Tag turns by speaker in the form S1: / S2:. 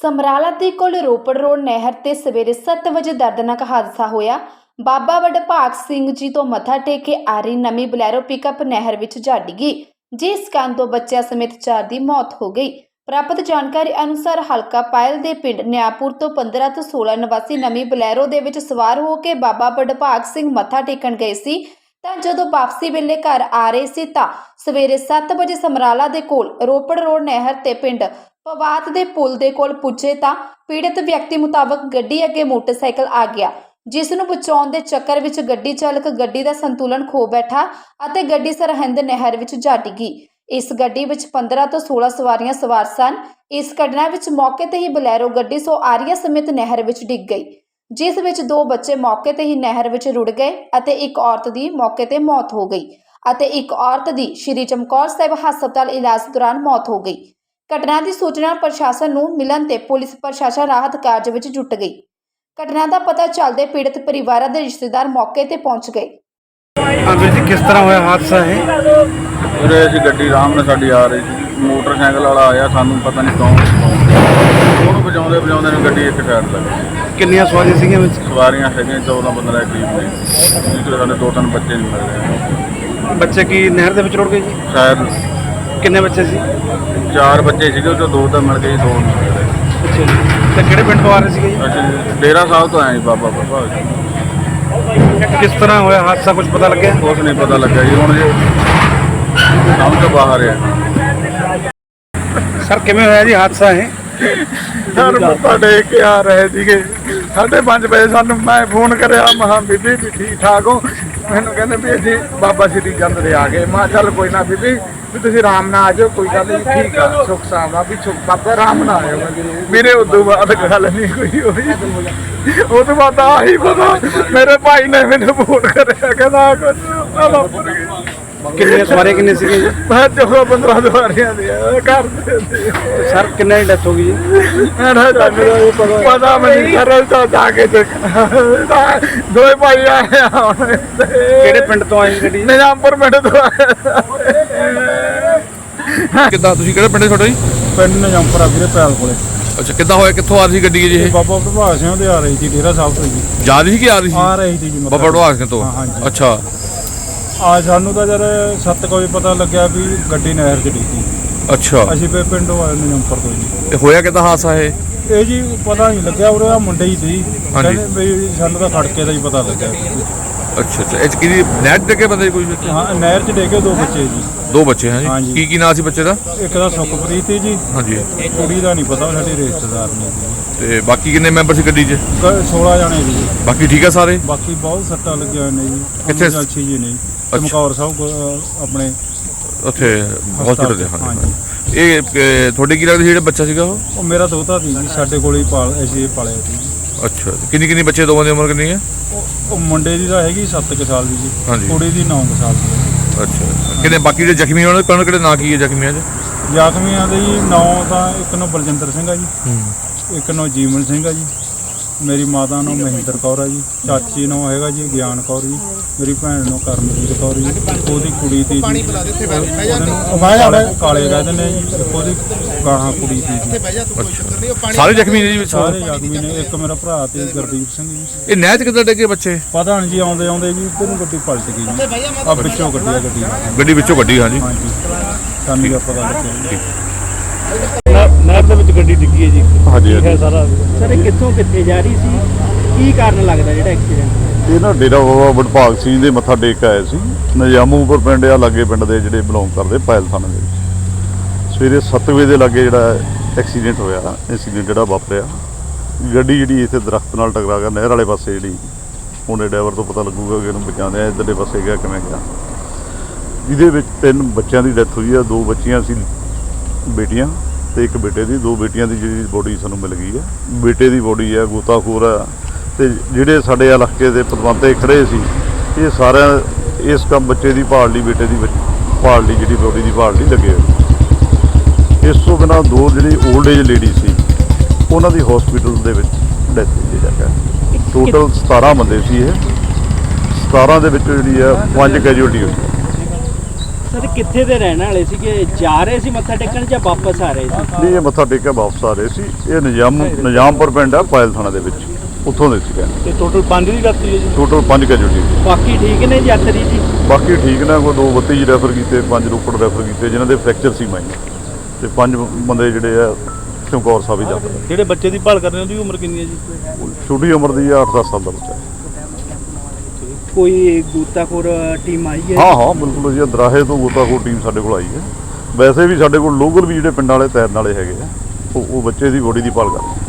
S1: ਸਮਰਾਲਾ ਦੇ ਕੋਲ ਰੋਪੜ ਰੋਡ ਨਹਿਰ ਤੇ ਸਵੇਰੇ 7 ਵਜੇ ਦਰਦਨਾਕ ਹਾਦਸਾ ਹੋਇਆ। ਬਾਬਾ ਵਡਭਾਗ ਸਿੰਘ ਜੀ ਤੋਂ ਮੱਥਾ ਟੇਕ ਕੇ ਆ ਰਹੀ ਨਵੀਂ ਬਲੈਰੋ ਪਿਕਅਪ ਨਹਿਰ ਵਿੱਚ ਜਾ ਡਿੱਗੀ, ਜਿਸ ਕਾਰਨ 2 ਬੱਚਿਆਂ ਸਮੇਤ 4 ਦੀ ਮੌਤ ਹੋ ਗਈ। ਪ੍ਰਾਪਤ ਜਾਣਕਾਰੀ ਅਨੁਸਾਰ ਹਲਕਾ ਪਾਇਲ ਦੇ ਪਿੰਡ ਨਿਆਪੁਰ ਤੋਂ 15 ਤੋਂ 16 ਨਿਵਾਸੀ ਨਵੀਂ ਬਲੈਰੋ ਦੇ ਵਿੱਚ ਸਵਾਰ ਹੋ ਕੇ ਬਾਬਾ ਵਡਭਾਗ ਸਿੰਘ ਮੱਥਾ ਟੇਕਣ ਗਏ ਸੀ ਤਾਂ ਜਦੋਂ ਵਾਪਸੀ ਵੇਲੇ ਘਰ ਆ ਰਹੇ ਸੀ ਤਾਂ ਸਵੇਰੇ 7 ਵਜੇ ਸਮਰਾਲਾ ਦੇ ਕੋਲ ਰੋਪੜ ਰੋਡ ਨਹਿਰ ਤੇ ਪਿੰਡ ਪਵਾਤ ਦੇ ਪੁਲ ਦੇ ਕੋਲ ਪੁੱਜੇ ਤਾਂ ਪੀੜਤ ਵਿਅਕਤੀ ਮੁਤਾਬਕ ਗੱਡੀ ਅੱਗੇ ਮੋਟਰਸਾਈਕਲ ਆ ਗਿਆ, ਜਿਸ ਨੂੰ ਬਚਾਉਣ ਦੇ ਚੱਕਰ ਵਿੱਚ ਗੱਡੀ ਚਾਲਕ ਗੱਡੀ ਦਾ ਸੰਤੁਲਨ ਖੋ ਬੈਠਾ ਅਤੇ ਗੱਡੀ ਸਰਹੰਦ ਨਹਿਰ ਵਿੱਚ ਜਾ ਡਿੱਗੀ। ਇਸ ਗੱਡੀ ਵਿੱਚ 15 ਤੋਂ 16 ਸਵਾਰੀਆਂ ਸਵਾਰ ਸਨ। ਇਸ ਘਟਨਾ ਵਿੱਚ ਮੌਕੇ ਤੇ ਹੀ ਬਲੈਰੋ ਗੱਡੀ ਸਵਾਰੀਆਂ ਸਮੇਤ ਨਹਿਰ ਵਿੱਚ ਡਿੱਗ ਗਈ, ਜਿਸ ਵਿੱਚ 2 ਬੱਚੇ ਮੌਕੇ ਤੇ ਹੀ ਨਹਿਰ ਵਿੱਚ ਰੁੜ ਗਏ ਅਤੇ ਇੱਕ ਔਰਤ ਦੀ ਮੌਕੇ ਤੇ ਮੌਤ ਹੋ ਗਈ ਅਤੇ ਇੱਕ ਔਰਤ ਦੀ ਸ਼੍ਰੀ ਚਮਕੌਰ ਸਾਹਿਬ ਹਸਪਤਾਲ ਇਲਾਜ ਦੌਰਾਨ ਮੌਤ ਹੋ ਗਈ। ਘਟਨਾ ਦੀ ਸੂਚਨਾ ਪ੍ਰਸ਼ਾਸਨ ਨੂੰ ਮਿਲਣ ਤੇ ਪੁਲਿਸ ਪ੍ਰਸ਼ਾਸਨ ਰਾਹਤ ਕਾਰਜ ਵਿੱਚ ਜੁਟ ਗਈ। ਘਟਨਾ ਦਾ ਪਤਾ ਚੱਲਦੇ ਪੀੜਤ ਪਰਿਵਾਰਾਂ ਦੇ ਰਿਸ਼ਤੇਦਾਰ ਮੌਕੇ ਤੇ ਪਹੁੰਚ ਗਏ।
S2: ਵੀਰ ਜੀ ਕਿਸ ਤਰ੍ਹਾਂ ਹੋਇਆ ਹਾਦਸਾ ਹੈ?
S3: ਵੀਰੇ ਅਸੀਂ ਗੱਡੀ ਆਰਾਮ ਨਾਲ ਸਾਡੀ ਆ ਰਹੀ ਸੀ, ਮੋਟਰਸਾਈਕਲ ਵਾਲਾ ਆਇਆ, ਸਾਨੂੰ ਪਤਾ ਨਹੀਂ ਕੌਣ ਉਹਨੂੰ ਵਜਾਉਂਦੇ ਨੇ ਗੱਡੀ ਇੱਕ ਸਾਈਡ ਲੱਗ ਗਈ।
S2: ਕਿੰਨੀਆਂ ਸਵਾਰੀਆਂ ਸੀਗੀਆਂ ਵਿੱਚ?
S3: ਸਵਾਰੀਆਂ ਹੈਗੀਆਂ 14-15 ਦੇ ਕਰੀਬ ਨੇ, ਜਿਹੜੇ ਸਾਡੇ 2-3 ਬੱਚੇ ਨਹੀਂ ਮਿਲ ਰਹੇ।
S2: ਬੱਚੇ ਕੀ ਨਹਿਰ ਦੇ ਵਿੱਚ ਰੁੜ ਗਏ ਜੀ?
S3: ਸ਼ਾਇਦ
S2: ਕਿੰਨੇ ਬੱਚੇ ਸੀ?
S3: 4 ਬੱਚੇ ਸੀਗੇ, ਉਹ 'ਚੋਂ 2 ਤਾਂ ਮਿਲ ਗਏ, 2 ਨਹੀਂ ਮਿਲ ਰਹੇ।
S2: ਅੱਛਾ ਜੀ। ਤੇ ਕਿਹੜੇ ਪਿੰਡ ਤੋਂ ਆ ਰਹੇ ਸੀਗੇ ਜੀ?
S3: ਅਸੀਂ ਡੇਰਾ ਸਾਹਿਬ ਤੋਂ ਆਏ ਜੀ, ਬਾਬਾ ਵਡਭਾਗ।
S2: ਕਿਸ ਤਰ੍ਹਾਂ ਹੋਇਆ ਹਾਦਸਾ, ਕੁਝ ਪਤਾ ਲੱਗਿਆ?
S3: ਕੁਛ ਨਹੀਂ ਪਤਾ ਲੱਗਿਆ ਜੀ, ਹੁਣ ਜੀ ਸਮਝ ਤੋਂ ਬਾਹਰ ਹੈ।
S2: ਸਰ ਕਿਵੇਂ ਹੋਇਆ ਜੀ ਹਾਦਸਾ ਹੈ?
S3: ਸਰ ਮੱਥਾ ਟੇਕ ਕੇ ਆ ਰਹੇ ਸੀਗੇ, 5:30 ਵਜੇ ਸਾਨੂੰ ਮੈਂ ਫੋਨ ਕਰਿਆ, ਮਹਾਂ ਬੀਬੀ ਵੀ ਠੀਕ ਠਾਕ ਹੋ? ਮੈਨੂੰ ਕਹਿੰਦੇ ਵੀ ਅਸੀਂ ਬਾਬਾ ਸ਼੍ਰੀ ਚੰਦ ਦੇ ਆ ਗਏ। ਮੈਂ ਚੱਲ ਕੋਈ ਨਾ ਬੀਬੀ, ਵੀ ਤੁਸੀਂ ਆਰਾਮ ਨਾਲ ਆ ਜਾਓ, ਕੋਈ ਗੱਲ ਨਹੀਂ, ਠੀਕ ਆ, ਸੁੱਖ ਸਾਵਾ ਵੀ ਬਾਬਾ ਆਰਾਮ ਨਾਲ ਆਇਓ। ਮੇਰੇ ਉਦੋਂ ਬਾਅਦ ਗੱਲ ਨਹੀਂ ਕੋਈ ਹੋਈ। ਉਹ ਤੋਂ ਬਾਅਦ ਆਹੀ ਪਤਾ ਮੇਰੇ ਭਾਈ ਨੇ ਮੈਨੂੰ ਫੋਨ ਕਰਿਆ, ਕਹਿੰਦਾ ਕੁਝ।
S2: ਕਿੰਨੀਆਂ ਸਵਾਰੀਆਂ ਕਿੰਨੇ ਸੀਗੇ ਜੀ?
S3: ਮੈਂ 14-15 ਸਵਾਰੀਆਂ ਦੀ ਘਰ ਦੇ।
S2: ਸਰ ਕਿੰਨੇ ਦੀ ਡੈਥ ਹੋ ਗਈ ਜੀ?
S3: ਪਤਾ ਮੈਨੂੰ ਸਰ ਜਾ ਕੇ ਦੇਖਣਾ। 2 ਭਾਈ ਆਏ ਹੁਣ।
S2: ਕਿਹੜੇ ਪਿੰਡ ਤੋਂ ਆਏ ਗੱਡੀ?
S3: ਨਿਜ਼ਾਮਪੁਰ ਪਿੰਡ ਤੋਂ ਆਏ।
S4: ਕਿੱਦਾਂ ਤੁਸੀਂ ਕਿਹੜੇ ਪਿੰਡ ਤੁਹਾਡਾ ਜੀ?
S5: ਪਿੰਡ ਨਿਜ਼ਾਮਪੁਰ ਆ ਵੀਰੇ, ਪੈਲ ਕੋਲੇ।
S4: ਅੱਛਾ, ਕਿੱਦਾਂ ਹੋਇਆ, ਕਿੱਥੋਂ ਆ ਰਹੀ ਸੀ ਗੱਡੀ ਜੀ ਇਹ?
S5: ਬਾਬਾ ਵਡਭਾਗ ਸਿੰਘ ਦੇ ਆ ਰਹੀ ਸੀ, ਡੇਰਾ ਸਾਹਿਬ ਤੋਂ ਜੀ।
S4: ਜਾ ਰਹੀ ਸੀ ਕਿ ਆ ਰਹੀ ਸੀ?
S5: ਆ ਰਹੀ ਸੀ ਜੀ।
S4: ਬਾਬਾ ਵਡਭਾਗ ਸਿੰਘ ਤੋਂ?
S5: ਹਾਂ, ਹਾਂਜੀ।
S4: ਅੱਛਾ।
S5: ਸਾਨੂੰ ਤਾਂ ਜਦ 7 ਵਜੇ ਪਤਾ ਲੱਗਿਆ ਵੀ ਗੱਡੀ ਨਹਿਰ 'ਚ ਡਿੱਗੀ।
S4: ਅੱਛਾ,
S5: ਅਸੀਂ ਫਿਰ ਪਿੰਡੋਂ ਆਏ ਨਿਜ਼ਾਮਪੁਰ ਤੋਂ ਜੀ।
S4: ਤੇ ਹੋਇਆ ਕਿੱਦਾਂ ਹਾਦਸਾ ਇਹ?
S5: ਇਹ ਜੀ ਪਤਾ ਨਹੀਂ ਲੱਗਿਆ, ਉਰੇ ਆ ਮੁੰਡੇ ਹੀ ਸੀ,
S4: ਹਾਂਜੀ।
S5: ਕਹਿੰਦੇ ਵੀ ਸਾਨੂੰ ਤਾਂ ਖੜਕੇ ਦਾ ਹੀ ਪਤਾ ਲੱਗਿਆ।
S4: ਅੱਛਾ ਅੱਛਾ, ਇਹ 'ਚ ਕਿਹਦੀ ਨਹਿਰ 'ਚ ਡਿੱਗੇ ਬੰਦੇ ਕੋਈ ਵਿੱਚ?
S5: ਹਾਂ, ਨਹਿਰ 'ਚ ਡਿੱਗੇ 2 ਬੱਚੇ ਜੀ।
S4: 2 ਬੱਚੇ ਹੈ ਜੀ?
S5: ਹਾਂਜੀ।
S4: ਕੀ ਨਾਂ ਸੀ ਬੱਚੇ ਦਾ?
S5: ਇੱਕ ਦਾ ਸੁਖਪ੍ਰੀਤ ਸੀ ਜੀ,
S4: ਹਾਂਜੀ।
S5: ਕੁੜੀ ਦਾ ਨਹੀਂ ਪਤਾ, ਉਹ ਸਾਡੀ ਰਿਸ਼ਤੇਦਾਰ ਨੇ ਜੀ।
S4: ਤੇ ਬਾਕੀ ਕਿੰਨੇ ਮੈਂਬਰ ਸੀ ਗੱਡੀ 'ਚ?
S5: 16 ਜਣੇ ਜੀ।
S4: ਬਾਕੀ ਠੀਕ ਆ ਸਾਰੇ?
S5: ਬਾਕੀ ਬਹੁਤ ਸੱਟਾਂ ਲੱਗੀਆਂ ਹੋਈਆਂ ਨੇ ਜੀ।
S4: ਕਿੱਥੇ?
S5: ਅੱਛੀ ਜੀ ਨੇ ਚਮਕੌਰ ਸਾਹਿਬ ਆਪਣੇ
S4: ਉੱਥੇ ਹਸਪੀਟਲ ਦੇ?
S5: ਹਾਂਜੀ।
S4: ਹਾਂਜੀ। ਇਹ ਤੁਹਾਡੇ ਕੀ ਲੱਗਦਾ ਸੀ ਜਿਹੜਾ ਬੱਚਾ ਸੀਗਾ ਉਹ?
S5: ਉਹ ਮੇਰਾ ਦੋਤਾ ਸੀ ਜੀ, ਸਾਡੇ ਕੋਲੇ ਹੀ ਅਸੀਂ ਪਾਲਿਆ ਸੀ।
S4: ਅੱਛਾ, ਕਿੰਨੀ ਬੱਚੇ, ਦੋਵਾਂ ਦੀ ਉਮਰ ਕਿੰਨੀ ਹੈ?
S5: ਉਹ ਮੁੰਡੇ ਦੀ ਤਾਂ ਹੈਗੀ 7 ਸਾਲ ਦੀ ਜੀ।
S4: ਹਾਂਜੀ।
S5: ਕੁੜੀ ਦੀ 9 ਸਾਲ ਦੀ।
S4: ਅੱਛਾ, ਕਿੰਨੇ ਬਾਕੀ ਜਿਹੜੇ ਜ਼ਖਮੀ ਹੋਣ ਕਿਹੜੇ ਨਾਂ ਕੀ ਹੈ ਜ਼ਖਮੀਆਂ 'ਚ?
S5: ਜ਼ਖਮੀਆਂ ਦੇ ਜੀ 9 ਤਾਂ ਇੱਕ ਨੂੰ ਬਲਜਿੰਦਰ ਸਿੰਘ ਆ ਜੀ, ਇੱਕ ਨੂੰ ਜੀਵਨ ਸਿੰਘ ਆ ਜੀ, ਮੇਰੀ ਮਾਤਾ ਨੂੰ ਮਹਿੰਦਰ ਕੌਰ ਆ ਜੀ, ਚਾਚੀ ਨੂੰ ਹੈਗਾ ਜੀ ਗਿਆਨ ਕੌਰ ਜੀ, ਮੇਰੀ ਭੈਣ ਨੂੰ ਕਰਮਜੀਤ ਕੌਰ ਜੀ, ਉਹਦੀ ਕੁੜੀ ਦੀ ਕਾਲੇ ਕਹਿੰਦੇ ਨੇ ਜੀ, ਉਹਦੀ ਗਾਹਾਂ ਕੁੜੀ ਦੀ ਜੀ।
S4: ਅੱਛਾ, ਸਾਰੇ ਜ਼ਖਮੀ ਨੇ ਜੀ ਵਿੱਚ?
S5: ਸਾਰੇ ਜ਼ਖਮੀ ਨੇ। ਇੱਕ ਮੇਰਾ ਭਰਾ ਤੇ ਗੁਰਦੀਪ ਸਿੰਘ ਜੀ।
S4: ਇਹ ਨਹਿਰ 'ਚ ਕਿੱਦਾਂ ਡਿੱਗੇ ਬੱਚੇ?
S5: ਪਤਾ ਨਹੀਂ ਜੀ, ਆਉਂਦੇ ਜੀ ਇੱਧਰ ਨੂੰ ਗੱਡੀ ਪਲਟ ਗਈ ਜੀ। ਆ ਵਿੱਚੋਂ
S4: ਗੱਡੀ ਵਿੱਚੋਂ ਕੱਢੀ? ਹਾਂਜੀ।
S5: ਹਾਂਜੀ, ਸਾਨੂੰ ਤਾਂ ਪਤਾ ਲੱਗਿਆ।
S2: ਨਹਿਰ ਦੇ ਵਿੱਚ ਗੱਡੀ ਡਿੱਗੀ ਹੈ ਜੀ।
S3: ਹਾਂਜੀ
S2: ਹੈ ਸਾਰਾ। ਸਰ ਇਹ ਕਿੱਥੋਂ ਕਿੱਥੇ ਜਾ ਰਹੀ ਸੀ? ਕੀ ਕਾਰਨ ਲੱਗਦਾ ਜਿਹੜਾ ਐਕਸੀਡੈਂਟ?
S3: ਇਹ ਨਾ ਡੇਰਾ ਬਾਬਾ ਵਡਭਾਗ ਸਿੰਘ ਦੇ ਮੱਥਾ ਟੇਕ ਆਏ ਸੀ, ਨਿਜ਼ਾਮੂਪੁਰ ਪਿੰਡ ਆ ਲਾਗੇ, ਪਿੰਡ ਦੇ ਜਿਹੜੇ ਬਿਲੋਂਗ ਕਰਦੇ ਪਾਇਲ ਥਾਣੇ ਦੇ ਵਿੱਚ। ਸਵੇਰੇ 7 ਵਜੇ ਦੇ ਲਾਗੇ ਜਿਹੜਾ ਐਕਸੀਡੈਂਟ ਹੋਇਆ, ਐਕਸੀਡੈਂਟ ਜਿਹੜਾ ਵਾਪਰਿਆ, ਗੱਡੀ ਜਿਹੜੀ ਇੱਥੇ ਦਰਖਤ ਨਾਲ ਟਕਰਾ ਗਿਆ ਨਹਿਰ ਵਾਲੇ ਪਾਸੇ। ਜਿਹੜੀ ਉਹਨੇ ਡਰਾਈਵਰ ਤੋਂ ਪਤਾ ਲੱਗੂਗਾ ਕਿ ਇਹਨੂੰ ਬਚਾਉਂਦੇ ਆ, ਇੱਧਰਲੇ ਪਾਸੇ ਗਿਆ ਕਿਵੇਂ ਗਿਆ। ਜਿਹਦੇ ਵਿੱਚ 3 ਬੱਚਿਆਂ ਦੀ ਡੈਥ ਹੋਈ ਆ। 2 ਬੱਚੀਆਂ ਸੀ ਬੇਟੀਆਂ ਤੇ ਇੱਕ ਬੇਟੇ ਦੀ। 2 ਬੇਟੀਆਂ ਦੀ ਜਿਹੜੀ ਬੋਡੀ ਸਾਨੂੰ ਮਿਲ ਗਈ ਹੈ। ਬੇਟੇ ਦੀ ਬੋਡੀ ਹੈ, ਗੋਤਾਖੋਰ ਆ, ਤੇ ਜਿਹੜੇ ਸਾਡੇ ਇਲਾਕੇ ਦੇ ਪਤਵੰਤੇ ਖੜੇ ਸੀ, ਇਹ ਸਾਰਿਆਂ ਇਸ ਕੰਮ ਬੱਚੇ ਦੀ ਭਾਲ ਲਈ, ਬੇਟੇ ਦੀ ਭਾਲ ਲਈ, ਜਿਹੜੀ ਬੋਡੀ ਦੀ ਭਾਲ ਲਈ ਲੱਗੇ ਹੋਏ। ਇਸ ਤੋਂ ਬਿਨਾਂ 2 ਜਿਹੜੀ ਓਲਡ ਏਜ ਲੇਡੀ ਸੀ, ਉਹਨਾਂ ਦੀ ਹਸਪੀਟਲ ਦੇ ਵਿੱਚ ਡੈਥ ਹੋਈ ਜਾ ਕੇ। ਟੋਟਲ 17 ਬੰਦੇ ਸੀ ਇਹ। 17 ਦੇ ਵਿੱਚ ਜਿਹੜੀ ਆ 5 ਕੈਜੂਅਲਟੀ ਹੋਈ।
S2: ਸਰ ਕਿੱਥੇ ਦੇ ਰਹਿਣ ਵਾਲੇ ਸੀਗੇ, ਜਾ ਰਹੇ ਸੀ ਮੱਥਾ ਟੇਕਣ ਜਾਂ ਵਾਪਸ ਆ ਰਹੇ ਸੀ?
S3: ਨਹੀਂ, ਇਹ ਮੱਥਾ ਟੇਕ ਕੇ ਵਾਪਸ ਆ ਰਹੇ ਸੀ। ਇਹ ਨਿਜ਼ਾਮਪੁਰ ਪਿੰਡ ਆ ਪਾਇਲ ਥਾਣਾ ਦੇ ਵਿੱਚ, ਉੱਥੋਂ ਦੇ ਸੀਗੇ।
S2: ਤੇ ਟੋਟਲ 5 ਦੀ ਰਾਤੀ ਹੈ ਜੀ?
S3: Total 5 casualty.
S2: ਬਾਕੀ ਠੀਕ ਨੇ ਯਾਤਰੀ ਜੀ?
S3: ਬਾਕੀ ਠੀਕ ਨੇ, ਕੋਈ 2 32 ਰੈਫਰ ਕੀਤੇ, 5 ਰੋਪੜ ਰੈਫਰ ਕੀਤੇ ਜਿਨ੍ਹਾਂ ਦੇ ਫ੍ਰੈਕਚਰ ਸੀ ਮਾਈਨਰ, ਤੇ 5 ਬੰਦੇ ਜਿਹੜੇ ਆ ਚਮਕੌਰ ਸਾਹਿਬ ਹੀ ਜਾਂਦੇ।
S2: ਜਿਹੜੇ ਬੱਚੇ ਦੀ ਭਾਲ ਕਰ ਰਹੇ ਉਹਦੀ ਉਮਰ ਕਿੰਨੀ ਹੈ ਜੀ?
S3: ਛੋਟੀ ਉਮਰ ਦੀ ਆ, 8-10 ਸਾਲ ਦਾ ਬੱਚਾ।
S2: ਕੋਈ ਗੋਤਾਖੋਰ ਟੀਮ ਆਈ ਹੈ?
S3: ਹਾਂ ਬਿਲਕੁਲ ਜੀ, ਦਰਾਹੇ ਤੋਂ ਗੋਤਾਖੋਰ ਟੀਮ ਸਾਡੇ ਕੋਲ ਆਈ ਹੈ। ਵੈਸੇ ਵੀ ਸਾਡੇ ਕੋਲ ਲੋਕਲ ਵੀ ਜਿਹੜੇ ਪਿੰਡਾਂ ਵਾਲੇ ਤੈਰਨ ਵਾਲੇ ਹੈਗੇ ਆ, ਉਹ ਬੱਚੇ ਦੀ ਬੋਡੀ ਦੀ ਭਾਲ ਕਰਦੇ।